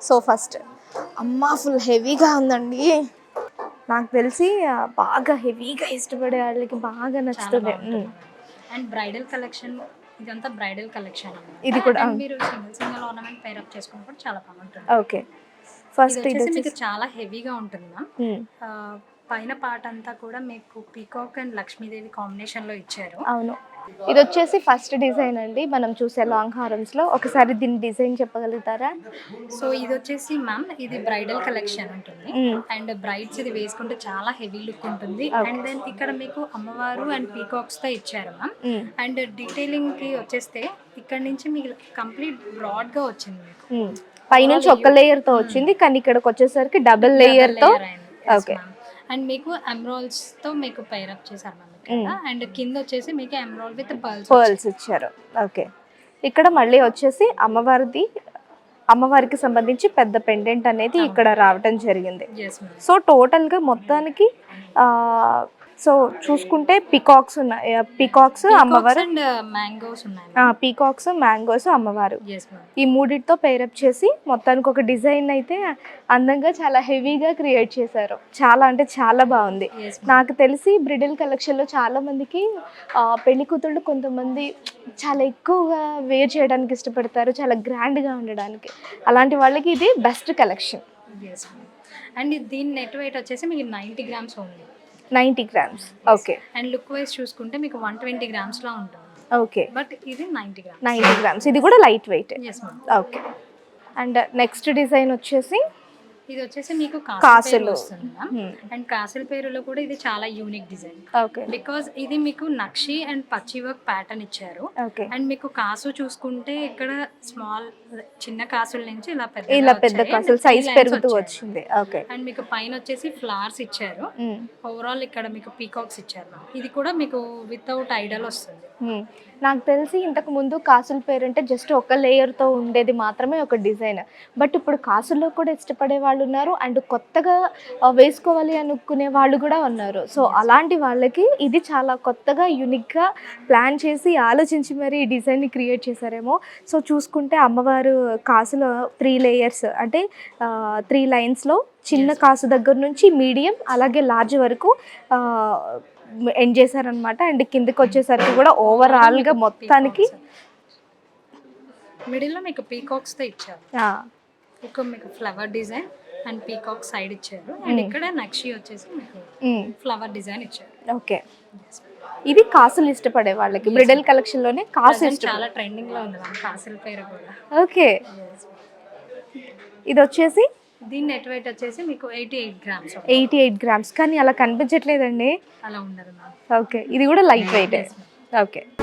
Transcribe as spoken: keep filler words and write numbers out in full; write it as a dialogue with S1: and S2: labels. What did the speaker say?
S1: So first అమ్మ full హెవీగా ఉందండి. నాకు తెలిసి బాగా హెవీగా ఇష్టపడే వాళ్ళకి బాగా నచ్చుతుంది.
S2: అండ్ బ్రైడల్ కలెక్షన్ ఇదంతా బ్రైడల్ కలెక్షన్.
S1: ఇది కూడా
S2: మీరు single single ornament pair up చేసుకుని కూడా చాలా బాగుంటుంది.
S1: ఓకే, ఫస్ట్
S2: ఇది వచ్చేసి మీకు చాలా హెవీగా ఉంటుంది మ్యామ్. పైన పార్ట్ అంతా కూడా మీకు పీకాక్ అండ్ లక్ష్మీదేవి కాంబినేషన్ లో ఇచ్చారు.
S1: అవును, ఇది వచ్చేసి ఫస్ట్ డిజైన్ అండి మనం చూసే లాంగ్ హారమ్స్ లో. ఒకసారి దీని డిజైన్ చెప్పగలుగుతారా?
S2: సో ఇది వచ్చేసి మ్యామ్ ఇది బ్రైడల్ కలెక్షన్ ఉంటుంది. అండ్ బ్రైడ్స్ ఇది వేసుకుంటే చాలా హెవీ లుక్ ఉంటుంది. అండ్ దెన్ ఇక్కడ మీకు అమ్మవారు అండ్ పీకాక్స్ తో ఇచ్చారు మ్యామ్. అండ్ డీటెయిలింగ్ కి వచ్చేస్తే ఇక్కడ నుంచి మీకు కంప్లీట్ బ్రాడ్ గా వచ్చింది. మీకు
S1: పైనుంచి ఒక లేయర్ తో వచ్చింది, కానీ ఇక్కడికి వచ్చేసరికి డబుల్ లేయర్ తో. ఓకే,
S2: అండ్ మీకు ఎమరాల్డ్స్ తో మీకు పైర్ అప్ చేశారు మ్యామ్ ఇక్కడ. అండ్ కింద వచ్చేసి మీకు ఎమరాల్డ్ విత్ పర్ల్స్
S1: పర్ల్స్ ఇచ్చారు. ఓకే, ఇక్కడ మళ్ళీ వచ్చేసి అమ్మవారిది అమ్మవారికి సంబంధించి పెద్ద పెండెంట్ అనేది ఇక్కడ రావటం జరిగింది. సో టోటల్ గా మొత్తానికి సో చూసుకుంటే పీకాక్స్ ఉన్నాయి, పీకాక్స్ అమ్మవారు
S2: అండ్ మ్యాంగోస్ ఉన్నాయి.
S1: పీకాక్స్ మ్యాంగోస్ అమ్మవారు ఈ మూడిటితో పేరప్ చేసి మొత్తానికి ఒక డిజైన్ అయితే అందంగా చాలా హెవీగా క్రియేట్ చేశారు. చాలా అంటే చాలా బాగుంది. నాకు తెలిసి బ్రిడల్ కలెక్షన్ లో చాలా మందికి పెళ్లి కూతుళ్ళు కొంతమంది చాలా ఎక్కువగా వేర్ చేయడానికి ఇష్టపడతారు, చాలా గ్రాండ్ గా ఉండడానికి. అలాంటి వాళ్ళకి ఇది బెస్ట్ కలెక్షన్.
S2: అండ్ దీని నెట్ వెయిట్ వచ్చేసి మీకు నైంటీ గ్రామ్స్ ఉంది.
S1: Ninety grams. Okay,
S2: and look wise చూసుకుంటే మీకు వన్ ట్వంటీ గ్రామ్స్ లా ఉంటుంది.
S1: ఓకే,
S2: బట్ ఇది నైంటీ గ్రామ్స్.
S1: నైంటీ గ్రామ్స్ ఇది కూడా light weight.
S2: Yes ma'am.
S1: Okay, and next design వచ్చేసి
S2: ఇది వచ్చేసి మీకు కాసులు వస్తుంది మ్యామ్. అండ్ కాసుల పేరులో కూడా ఇది చాలా యూనిక్ డిజైన్.
S1: ఓకే,
S2: బికాజ్ ఇది మీకు నక్షి అండ్ పచ్చి వర్క్ ప్యాటర్న్ ఇచ్చారు.
S1: ఓకే,
S2: అండ్ మీకు కాసు చూసుకుంటే ఇక్కడ స్మాల్ చిన్న కాసుల నుంచి ఇలా పెద్ద
S1: ఇలా పెద్ద కాసులు సైజ్ పెరుగుతూ వచ్చింది. ఓకే,
S2: అండ్ మీకు పైన వచ్చేసి ఫ్లవర్స్ ఇచ్చారు. ఓవరాల్ ఇక్కడ మీకు పీకాక్స్ ఇచ్చారు మ్యామ్. ఇది కూడా మీకు వితౌట్ ఐడల్ వస్తుంది.
S1: నాకు తెలిసి ఇంతకు ముందు కాసుల పేరు అంటే జస్ట్ ఒక లేయర్తో ఉండేది మాత్రమే ఒక డిజైన్. బట్ ఇప్పుడు కాసుల్లో కూడా ఇష్టపడే వాళ్ళు ఉన్నారు, అండ్ కొత్తగా వేసుకోవాలి అనుకునే వాళ్ళు కూడా ఉన్నారు. సో అలాంటి వాళ్ళకి ఇది చాలా కొత్తగా యూనిక్గా ప్లాన్ చేసి ఆలోచించి మరి ఈ డిజైన్ని క్రియేట్ చేశారేమో. సో చూసుకుంటే అమ్మవారు కాసులో త్రీ లేయర్స్ అంటే త్రీ లైన్స్లో చిన్న కాసు దగ్గర నుంచి మీడియం అలాగే లార్జ్ వరకు ఎండ్ చేశారనమాట. అండ్ కిందకి వచ్చేసరికి కూడా ఓవరాల్ గా మొత్తానికి
S2: మిడిల్ లో మీకు పీకాక్స్ తో ఇచ్చారు. ఒక మీకు flower design and peacock side ఇచ్చారు. అండ్ ఇక్కడ నక్షి వచ్చేసి మీకు ఫ్లవర్ డిజైన్ ఇచ్చారు.
S1: ఓకే, ఇది కాసులు ఇష్టపడే వాళ్ళకి బ్రిడల్ కలెక్షన్ లోనే కాసు
S2: చాలా ట్రెండింగ్ లో ఉంది కాసుల పేరు కూడా.
S1: ఓకే, ఇది వచ్చేసి
S2: దీని నెట్ వెయిట్ వచ్చేసి మీకు eighty eight grams.
S1: Eighty eight grams కానీ అలా కనిపించట్లేదండి.
S2: అలా ఉండదు మ్యామ్.
S1: ఓకే, ఇది కూడా లైట్ వెయిట్. ఓకే,